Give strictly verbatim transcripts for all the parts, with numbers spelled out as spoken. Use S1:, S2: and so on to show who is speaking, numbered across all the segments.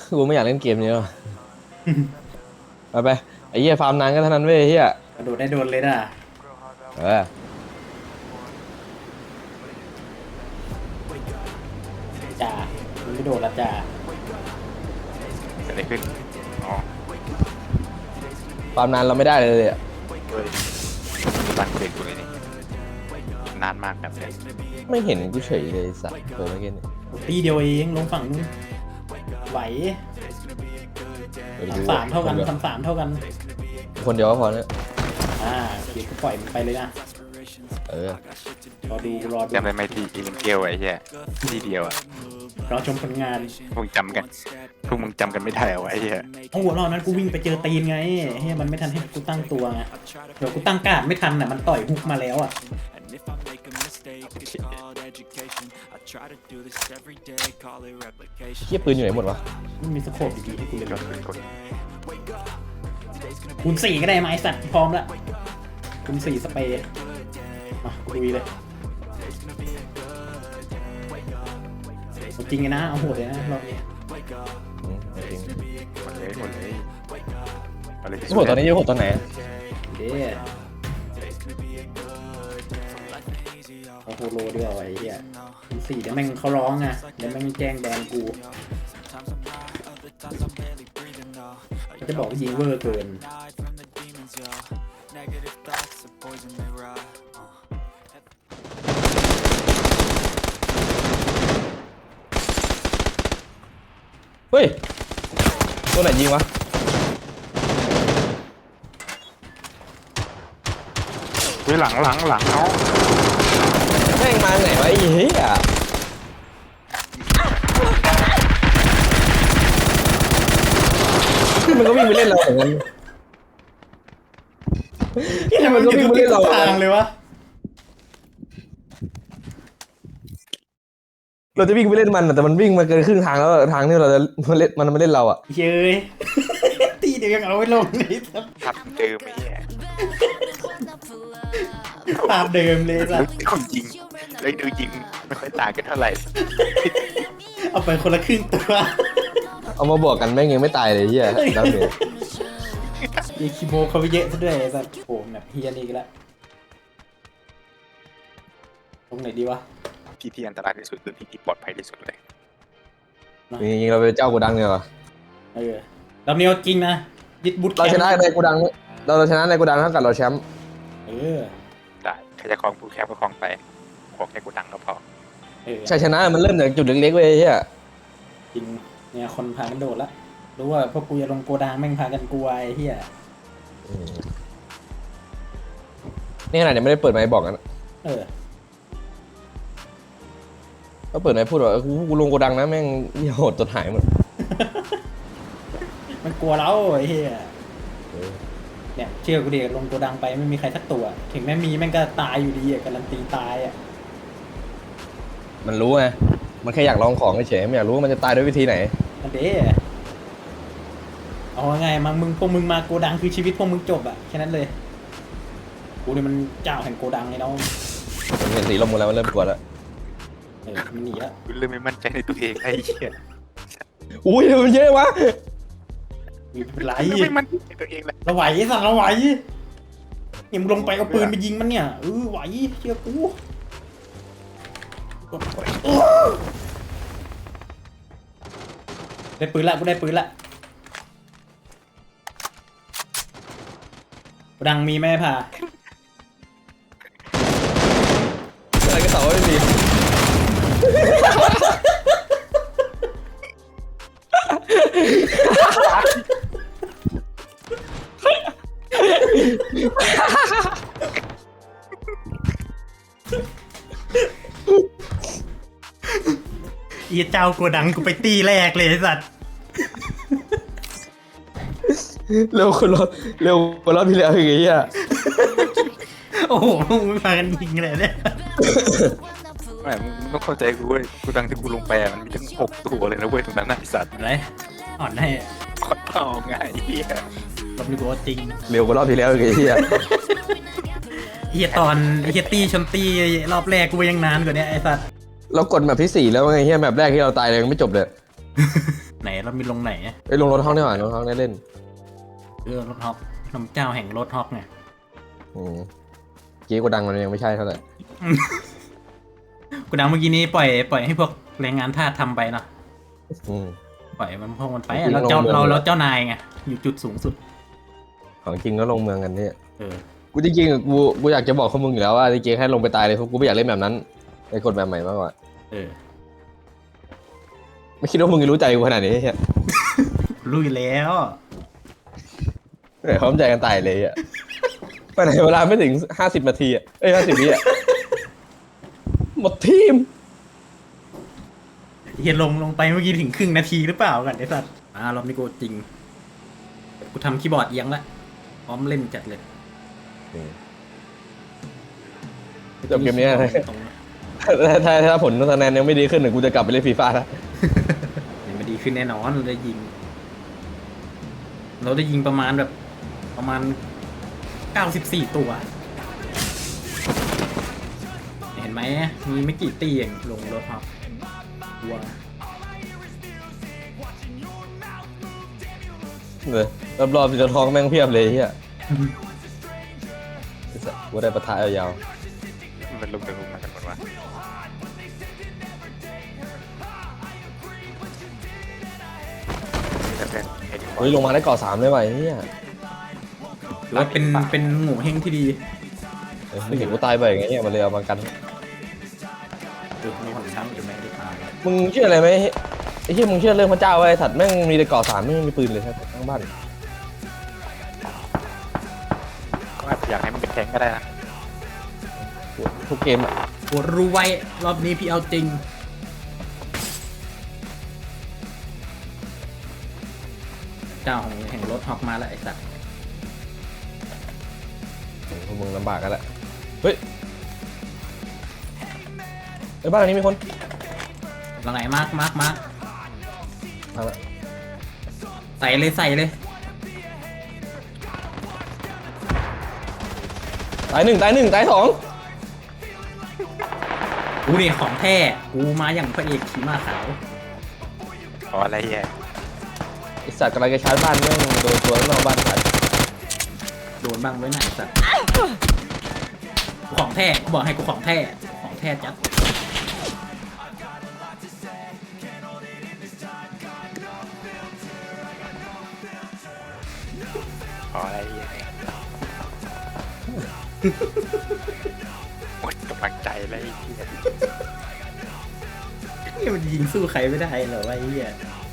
S1: กูไม่อยากเล่นเกมนี้หรอกไปไปไอ้เหี้ยฟาร์มนานก็เท่านั้นเว้ยไอ้เหี้ย
S2: กระโดดได้โดนเลยน่ะ
S1: เออ
S2: จ่ามึงไม่โดดละจ่า
S3: เกิดอะไรขึ้นอ๋อ
S1: ฟาร์มนานเราไม่ได้เลยอ่ะ
S3: เฮ้ยรันเบรกกูเลยนี่นานมากแบบเนี้ย
S1: ไม่เห็นกูเฉยเลยไอ้สัตว์เปิดเมื่อกี้นี่
S2: ปีเดียวเองลงฝั่งนู้นไหว
S1: เดี๋ยวดู
S2: ทำสามเท่ากันทำสามเท่ากัน
S1: คนเดียวก็พอเนี่ย
S2: อ่าเดี๋ยวกูปล่อยมันไปเลยนะ
S1: เออ
S2: รอดูรอดู
S3: จำได้ไหมที่อีลินเกลไอ้เหี้ยที่เดียวอะ
S2: รอชมผลงาน
S3: พวกมึงจำกันพวกมึงจำกันไม่ได้เอาไว้ไอ้เหี้ย
S2: โอ้โหรอบนั้นกูวิ่งไปเจอตีนไงเฮ้ยมันไม่ทันให้กูตั้งตัวไงเดี๋ยวกูตั้งการ์ดไม่ทันน่ะมันต่อยฮุกมาแล้วอ่ะ
S1: เหี้ยปืนอยู่ไหนหมดวะ
S2: มันมีสโคปดีๆให้กูเลย
S3: ยอดขึ้นกด
S2: คูณสี่ก็ได้ไหมไอ้สัตว์พร้อมแล้วคูณสี่สเปรย์มาคุยเลยเอาจริงไงนะเอาโหดเลยนะรอบนี้
S1: อืมจริง
S3: หมดเลยหมดเลยอะไรที่
S1: โหดตอนนี้โหดตอนไหน
S2: เด้เอาโฮโลด้วยไอ้เหี้ยคูณสี่เดี๋ยวแม่งเขาร้องไงเดี๋ยวแม่งแจ้งแบนกูเขาจะบอกว่ายิงเวอร์เกิน
S1: เฮ้ยตัวไหนยิงวะ
S3: เฮ้ยหลังหลังหลังเนาะ
S1: แม่งมาไหนวะไอ้เหี้ยมันก็วิ่งไปเล่นเราเหมือนกัน
S2: ที่มันก็วิ่งไปเล่นเราทางเลยวะ
S1: เราจะวิ่งไปเล่นมันอะแต่มันวิ่งมาเกินครึ่งทางแล้วทางที่เราจะเล่นมันมาเล่นเราอ่ะ
S2: เย้ย ตีเดียวยังเอาไว้ลงนี่ครับ
S3: ทับเดิมไอ้เหี้ย
S2: ภาพเดิมเลยสัส
S3: คนยิงเลยดูยิงไม่ค่อยต่างกันเท่าไหร่
S2: เอาไปคนละครึ่งตัว
S1: เอามาบวกกันแม่งยังไม่ตายเลยเหี้ยดาวเมจ
S2: ยีคิโมเขาไปเยอะซะด้วยสัสโอ้แบบเฮียนี่กันละตรงไหนดีวะ
S3: ที่ที่อันตรายที่สุดคือที่ที่ปลอดภัยที่สุดเลย
S1: จริงๆเราเป็นเจ้ากูดังเนี่ยหรอ
S2: เออเราเนียวจริงนะยึดบุต
S1: เราชนะในกูดังเราชนะในกูดังเท่ากับเราแชมป์
S2: เออ
S3: ได้ใครจะคลองผู้แคบก็คลองไปขอแค่กูดังก็พอ
S2: เออ
S1: ชัยชนะมันเริ่มจากจุดเล็กๆเว้ยเหี้ย
S2: จริงเนี่ยคนพากันโดดละรู้ว่าพวกกูจะลงโกดังแม่งพากันกลัวไอ้เฮีย
S1: นี่ขนาดยังไม่ได้เปิดไมค์บอกกัน
S2: เออ
S1: ก็เปิดไมค์พูดว่ากูกูลงกูดังนะแม่งเหี้ยโหดจนหายหมด
S2: มันกลัวเราไอ้เฮียเนี่ยเชื่อกูดิลงโกดังไปไม่มีใครสักตัว ถึงแม้มีแม่งก็ตายอยู่ดีอ่ะการันตีตายอ่ะ
S1: มันรู้ไงมันแค่อยากลองของเฉยๆไม่อยากรู้ว่ามันจะตายด้วยวิธีไหน
S2: อันเด้เอาไงมามึงพวกมึงมาโกดังคือชีวิตพวกมึงจบอ่ะแค่นั้นเลยกูนี่มันเจ้าแห่งโกดังไอ้น้อง
S1: ผมเห็นสีลมกันแล้วมันเริ่มกลัวแล้ว
S2: เออมันหนีแล้ว
S3: กูเริ่มไม่มั่นใจในตัวเองไอ้เหี้ย
S1: อุ้ยมันเยอะวะ
S2: มีเป็นไร
S3: เริ่มไม่มั่นใจในตัวเองเลย
S2: เราไหวสั่งเราไหวเนี่ยมึงลงไปเอาปืนไปยิงมันเนี่ยเออไหวเชื่อกูได้ปืนละกูได้ปืนละโกดังมีไหมผ่า
S1: อะไรก็ตอบว่าไม่มี
S2: อีเจ้าโกดังกูไปตีแรกเลยไอ้สัตว์
S1: เร็วคนรอบเร็วคนรอบที่แล้วอย่างเงี้ย
S2: โอ้โหมึงไม่พากันยิงเลยเนี่ย
S3: ไม่มึงต้องเข้าใจกูเว้ยกูดังที่กูลงไปอะมันมีทั้งหกตัวเลยนะเว้ยตรงนั้นน่ะไอ้สัตว์
S2: อะไรอ่อนให้
S3: ขอเท่าไงไอ้เหี้ย
S2: รอบนี้กูว่าจริง
S1: เร็วกว่ารอบที่แล้วอย่างเงี้ย
S2: เฮียตอนเฮียตี้ชนตี้รอบแรกกูยังนานกว่านี้ไอ้สัตว์
S1: เรากดแบบที่สี่แล้วไงเฮียแบบแรกที่เราตายเลยยังไม่จบเลย
S2: เไหนเรามีลงไหน
S1: ไปลงรถห้องได้หว่ารถห้องได้เล่น
S2: เออรถฮอกน้ำเจ้าแห่งรถฮอกไง
S1: อืมเกี้กูดังมันยังไม่ใช่เท่าไหร่
S2: กูดังเมื่อกี้นี้ปล่อยปล่อยให้พวกแรงงานทาสทำไปเนาะ
S1: อืม
S2: ปล่อยมันพวกมันไป
S1: จริงๆ
S2: เราเจ้า
S1: ลงเมือง
S2: เราเราเจ้านายไงอยู่จุดสูงสุด
S1: ของจริงก็ลงเมืองกันเนี่ย
S2: เออ
S1: กูจริงๆอะกูกูอยากจะบอกข้อมึงอยู่แล้วว่าจริงๆให้ลงไปตายเลยเพราะกูไม่อยากเล่นแบบนั้นในกฎแบบใหม่มากกว่า
S2: เออ
S1: ไม่คิดว่ามึงจะรู้ใจกูขนาดนี้เฮีย
S2: รู้อยู่แล้ว
S1: แต่พร้อมใจกันตายเลยอ่ะไปไหนเวลาไม่ถึงห้าสิบนาทีอ่ะเอ้ยห้าสิบวิอ่ะหมดทีม
S2: เฮียลงลงไปเมื่อกี้ถึงครึ่งนาทีหรือเปล่ากันไอ้สัตว์อ่ารอบนี้กูจริง กูทำคีย์บอร์ดเอียงละพร้อมเล่นจัดเลย
S1: จบเกมนี้นะ
S2: ตรงๆ
S1: ถ้าถ้าถ้าผลคะแนนยังไม่ดีขึ้นเนี่ยกูจะกลับไปเล่นฟีฟ่าแล้ว
S2: เนี่ยมันดีขึ้นแน่นอนเราได้ยิง เราได้ยิงประมาณแบบ ประมาณเก้าสิบสี่ตัว เห็นไหมมีไม่กี่ตีเองลงรถครับวัว
S1: เลยรอบๆจะท้องแม่งเพียบเลยเฮียกูได้ประทะยาว
S3: มันลุกเดินลุกมากันหมดวะแต่เป็นไอ้ที่
S1: ๆเฮ้ยลงมาได้เกาะสามเลยว่ะไอ้เฮีย
S2: ถือว่าเป็นเป็นหมูเฮงที่ดี
S1: เออไม่เห็นกูตายบ่อยไงเนี่ยมันเลยเอามากัน
S2: ดูมีคนช้ำอยู่ไหมได้ตาย
S1: มึงเชื่ออะไรไหมไอ้เฮียมึงเชื่อเรื่องพระเจ้าไว้ไอ้สัตว์แม่งมีแต่เกาะสามไม่มีปืนเลยครับทั้งบ้าน
S3: ก็อยากให้มันเป็นแทงก็ได้นะ
S1: ทุกเกมอ่ะ
S2: ปวดรู้ไว้รอบนี้พี่เอาจริง เจ้าของแห่งรถฮอกมาแล้วไอ้สัตว์
S1: พวกมึงลำบากกันแหละเฮ้ยไอ้บ้านหลังนี้มีคน
S2: หลังไหนมากมากมาก
S1: ทางละ
S2: ใส่เลยใส่เลย
S1: ตายหนึ่งตายหนึ่งตายสอง
S2: กูนี่ของแท้กูมาอย่างพระเอกขี่ม้าขาว
S3: ขออะไรแย่
S1: ไอ้สัตว์กำลังจะชาร์จบ้านแม่งโดนตัวข้างนอกบ้านขาด
S2: โดนบ้างไว้ไหนสัตว์กูของแท้กูบอกให้กูของแท้ของแท้จัด
S3: ขออะไรแย่หมดกำลังใจเลยไอ้เหี้ย
S2: นี่มันยิงสู้ใครไม่ได้เหรอวะไอ้เหี้ย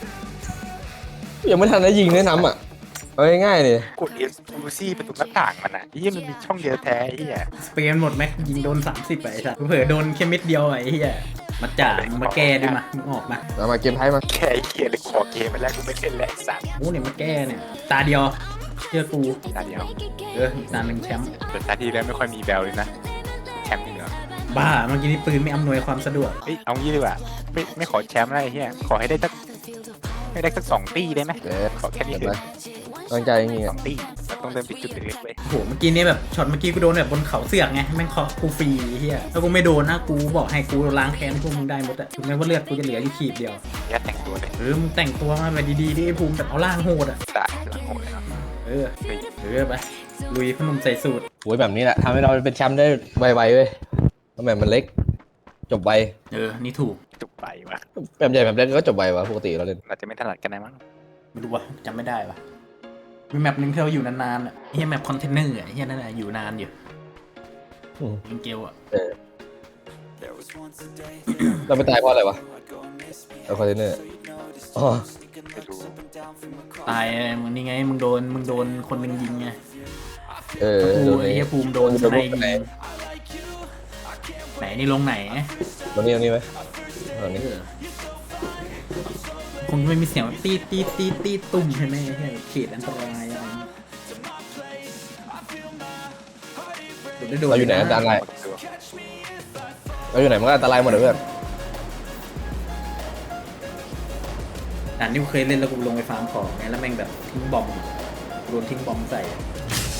S1: ยังไม่ทันได้ยิงแนะนำอ่ะเอาง่ายๆเลย
S3: กดเอสดูซี่ประตูหน้าต่างมันอ่ะไอ้เหี้ยมันมีช่องเดียวแท้ไอ้เหี้ย
S2: สเปรย์หมดแม็กยิงโดนสามสิบไปไอ้สัตว์เผื่อโดนแค่เม็ดเดียวไอ้เหี้ยมาจ่ามึงมาแก้ด้วยมามึงออกมา
S1: เอามาเกมไทยมา
S3: แค่ไอ้เหี้ยเลยขอเกมไปแล้วกูไม่เล่นแล้วไอ้สัตว์
S2: โอ้เนี่ยมาแก้เนี่ยตาเดียวเชื่อกู
S3: ตาเดียว
S2: เอออีกตาหนึ่งแชมป์
S3: แต่ตาที่แล้วไม่ค่อยมีแววเลยนะแชมป์จริงเหรอ
S2: บ้าเมื่อกี้นี่ปืนไม่อำนวยความสะดวก
S3: เฮ้ยเอางี้ดีกว่าไม่ไม่ขอแชมป์อะไรเฮียขอให้ได้สักให้ได้สักสองตีได้ไหม
S1: เดี๋ยว
S3: ขอแค่นี้
S1: เห็น
S3: เถ
S1: ไหม
S3: อะ
S1: ตั้งใจจริงๆ
S3: ส
S1: อ่ะ
S3: องตีมันต้องเดินไปจุดเล็กๆเลย
S2: โอ้โหเมื่อกี้นี่แบบช็อตเมื่อกี้กูโดนแบบบนเขาเสือกไงแม่งเคาะกูฟรีเฮียถ้ากูไม่โดนนะกูบอกให้กูล้างแค้นพวกมึงได้หมดอะถึงแม้ว่าเลือดกูจะเหลืออยู่ขีดเดียว
S3: ยัดแต่งตัวเลย
S2: เออมึงแต่งตัวมาแบบดีๆดิไอ้ภูมิแบบเอาล่างโหดอะ
S3: ได้หลังโหดเลยเนาะ
S2: เออ
S3: เฮ้ย
S2: เออไปลุยพนมใส่สูตร
S1: โอ้ยแบบนี้แหละทำให้เราเป็นแชมป์ได้ไวๆเว้ยเพราะแบบมันเล็ก จบไว
S2: เออนี่ถูก
S3: จุกไปวะ
S1: แบบใหญ่แบบเล็กก็จบไววะปกติเราเล่น
S3: เราจะไม่ถนัดกันนะมั้ง
S2: ไม่รู้ว่ะจำไม่ได้ว่ะมีแมปหนึ่งที่เราอยู่นานๆอ่ะเฮียแมปคอนเทนเนอร์อ่ะเฮียนั่นแหละอยู่นานอยู่
S1: อืม
S2: ยิงเกลอ่ะ
S1: เออเราไปตายเพราะอะไรวะเอาคอนเทนเนอร์อ๋อ
S3: ไปดู
S2: ตายมึงนี่ไงมึงโดนมึงโดนคนหนึ่งยิงไง
S1: เออ
S2: กู
S1: โดน
S2: ไอ้
S1: นี้
S2: เฮียภูมิโดน
S1: โด
S2: ส
S1: น
S2: ไน
S1: ลูก
S2: ยิง
S1: ไหน
S2: ไหนนี่ลงไหน
S1: ตรงนี้ตรงนี้ไหมตรงนี้
S2: เออคงไม่มีเสียงแบบตีดตีดตีดตีดตุ่มใช่ไหมเฮียเขตอันตรายอะไรอย่างเงี้ยโดนได้โดน
S1: เราอยู่ไหนอันตราย
S3: หมดตัว
S1: เราอยู่ไหนมันก็อันตรายหมดเลยเพื่อน
S2: ด่านที่กูเคยเล่นแล้วกูลงไปฟาร์มของไงแล้วแม่งแบบทิ้งบอมโดนทิ้งบอมใส่อะ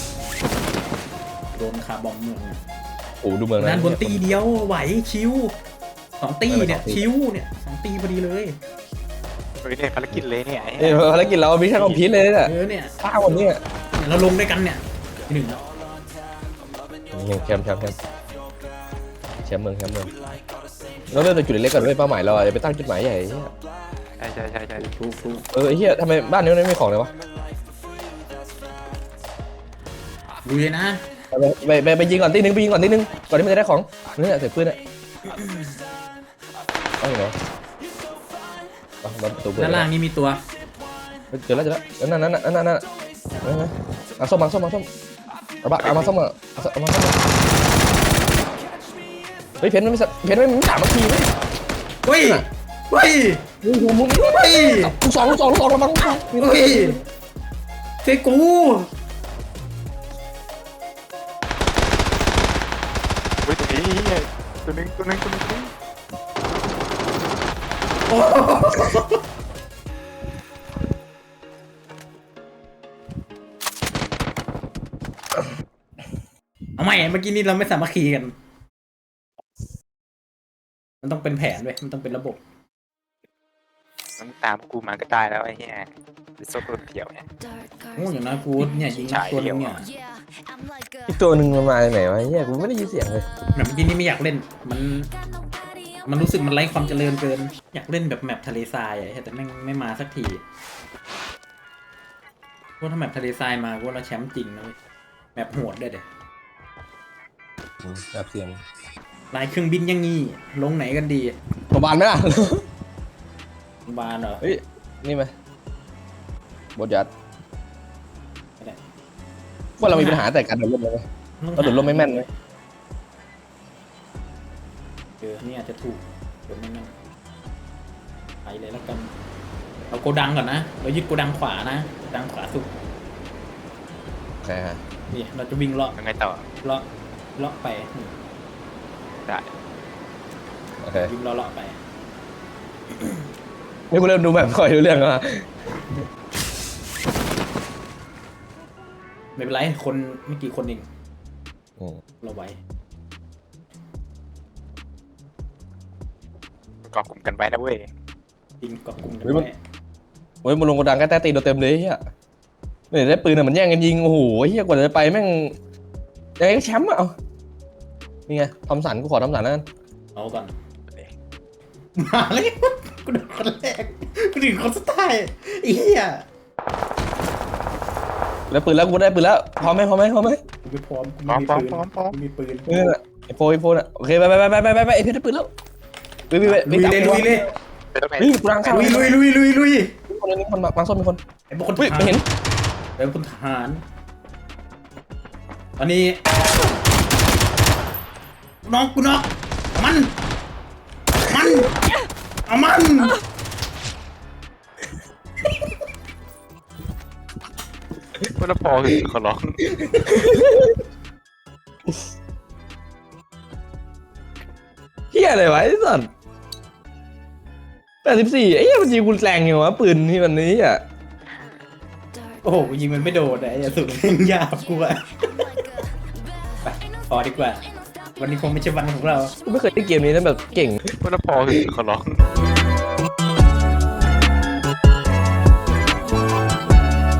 S2: โดนคาร์บอมเมืองอะ
S1: โอ้ดูเมือง
S2: ด้านบนตีเดียวไหวชิวสองตี
S1: ไม่
S2: เนี่ย
S1: สองตี
S2: ชิวเนี่ยสองตีพอดีเลย
S3: เฮ้ยเนี่ยภารกิจเลยเนี่ยไอ้
S1: เอ้ยภารกิจเรามิชชั่นคอมพลีทเลยเนี่ย
S2: เออเนี่ย
S1: ป้าวันนี้
S2: เนี่ยเราลงด้วยกันเนี่ยที่หนึ่งแล้ว
S1: ยังแคมป์แคมป์แคมป์แชมป์เมืองแชมป์เมืองเราเริ่มจากจุดเล็กๆก่อนด้วยเป้าหมายเราจะไปตั้งจุดหมายใหญ่
S3: ใช่ใช่ใช่ใช่
S2: ถูกถูก
S1: เออไอ้เหี้ยทำไมบ้านนี้มันไม่มีของเลยวะ
S2: ดูเลยนะ
S1: ไปไปไปยิงก่อนทีนึงไปยิงก่อนทีนึงก่อนที่มันจะได้ของนี่เสียปืนอ่ะเอาอย่างไรเอาเราตัวเปิด
S2: ด้านล่างนี่มีตัว
S1: เจอแล้วเจอแล้วนั่นนั่นนั่นนั่นนั่นนั่นเอาส้มมาส้มมาส้มเอาบ้าเอามาส้มมาเอามาส้มมาเฮ้ยเพนมันไม่เพนมันไม่สามนาทีเลย
S2: เฮ้ยเฮ้ย
S1: มึงมึงมึง
S2: เฮ้ย
S1: ลูกสองลูกสองลูกสองระวัง
S2: เฮ้ยเฟกู
S3: เฮ้ยตัวนี้เหี้ยตัวนึงตัวนึงตัวนึงตัวนึง
S2: โอ้เอาใหม่เมื่อกี้นี้เราไม่สามัคคีกัน มันต้องเป็นแผนด้วยมันต้องเป็นระบบ
S3: มันตามกูมาก็ได้แล้วไอ้เหี้ยไอ้โซ่ตัวเขียวเนี่ย
S2: โอ้อย่างน้อยกูเนี่ยยิงนักตัวนึงเนี่ย
S1: อีกตัวหนึ่งมันมาจากไหนวะเฮียกูไม่ได้ยินเสียงเลย
S2: แบบเมื่อกี้นี้ไม่อยากเล่น มัน มันรู้สึกมันไร้ความเจริญเกิน อยากเล่นแบบแมปทะเลทรายอะแต่แม่งไม่มาสักทีพวกถ้าแมปทะเลทรายมาพวกเราแชมป์จริงนะเว้ยแมปโหดด้วยเด็ด
S1: แบบเสียง
S2: ลายเครื่องบินอยังงี้ ลงไหนกันดี
S1: โรงพยาบาลไหมล่ะ
S2: โรงพยาบาลเหรอ
S1: เฮ้ยนี่ไหมบทยัด
S2: ไม่ได้
S1: ว่าเรามีปัญหาแต่การโดดร่มไหมเราโดดร่มไม่แม่นเลย
S2: เออนี่อาจจะถูกเดี๋ยวไม่นั่นไปเลยแล้วกันเอาโกดังก่อนนะ เรายึดโกดังขวานะโกดังขวาสุด
S1: โอเคฮะ
S2: นี่เราจะวิ่งเลาะ
S3: ยังไงต่อ
S2: เลาะเลาะไปนี่
S3: ได้
S1: โอเค
S2: วิ่งเลาะเลาะไป
S1: นี่กูเริ่มดูแบบคอยดูเรื่องแล้ว
S2: ไม่เป็นไรคนไม่กี่คนเอง
S1: อืม
S2: เราไว้
S3: เกาะกลุ่มกันไว้นะเว้ย
S2: ยิงเกาะกลุ่มกัน
S1: เฮ้ยมัน
S2: ไว้
S1: โอ้ยมันลงกระดังใกล้ใต้ตีนเราเต็มเลยเฮียเนี่ยได้ปืนอ่ะมันแย่งกันยิงโอ้โหเฮียกว่าจะไปแม่งยังไงก็แชมป์อ่ะเอานี่ไงทอมสันกูขอทอมสันนั่น
S2: เอาก่อนมาเลยกูโดนคนแรกกูถึงคนสุดท้ายไอ้เหี้ย
S1: แล้วปืนแล้วกูได้ปืนแล้วพร้อมไหมพร้อมไหมพร้อมไหม
S2: กูไม่พร้อมกู
S3: พร้อ
S2: ไม่
S3: ม
S2: มี
S3: พร้อม
S2: ปืน
S3: พร้อมพร้อม
S2: กูมีปืน
S1: นี่น่ะไอโฟไอโฟน่ะโอเคไปไปไปไปไปไปไอเพชรได้ปืนแล้วไปไปไป
S2: ลุยเลยลุยเลย
S3: ไปตรงไหน
S1: นี่กูรังข้าว
S2: ลุยลุยลุยลุยลุย
S1: คนนึงคนมาส้มมีคน
S2: ไอ้พวกคนท
S1: เฮ้ย
S2: หาร
S1: ไม่เห็น
S2: ไอ้พวกคนทหารตอนนี้กูน็อกกูน็อกมันมันเอามัน
S3: ว่าแล้วพอคือขอร้อง
S1: เฮียอะไรวะไอ้สัสแปดสิบสี่ไอ้เหี้ยมันยิงกูแรงอยู่วะปืนที่มันนี้อ่ะ
S2: โอ้โหกูยิงมันไม่โดนไอ้สุดเล่นยากกูอะไปพอดีกว่า วันนี้คงไม่ใช่วันของเรา
S1: กูไม่เคยเล่นเกมนี้แล้วแบบเก่ง
S3: ว่าแล้วพอคือขอร้อง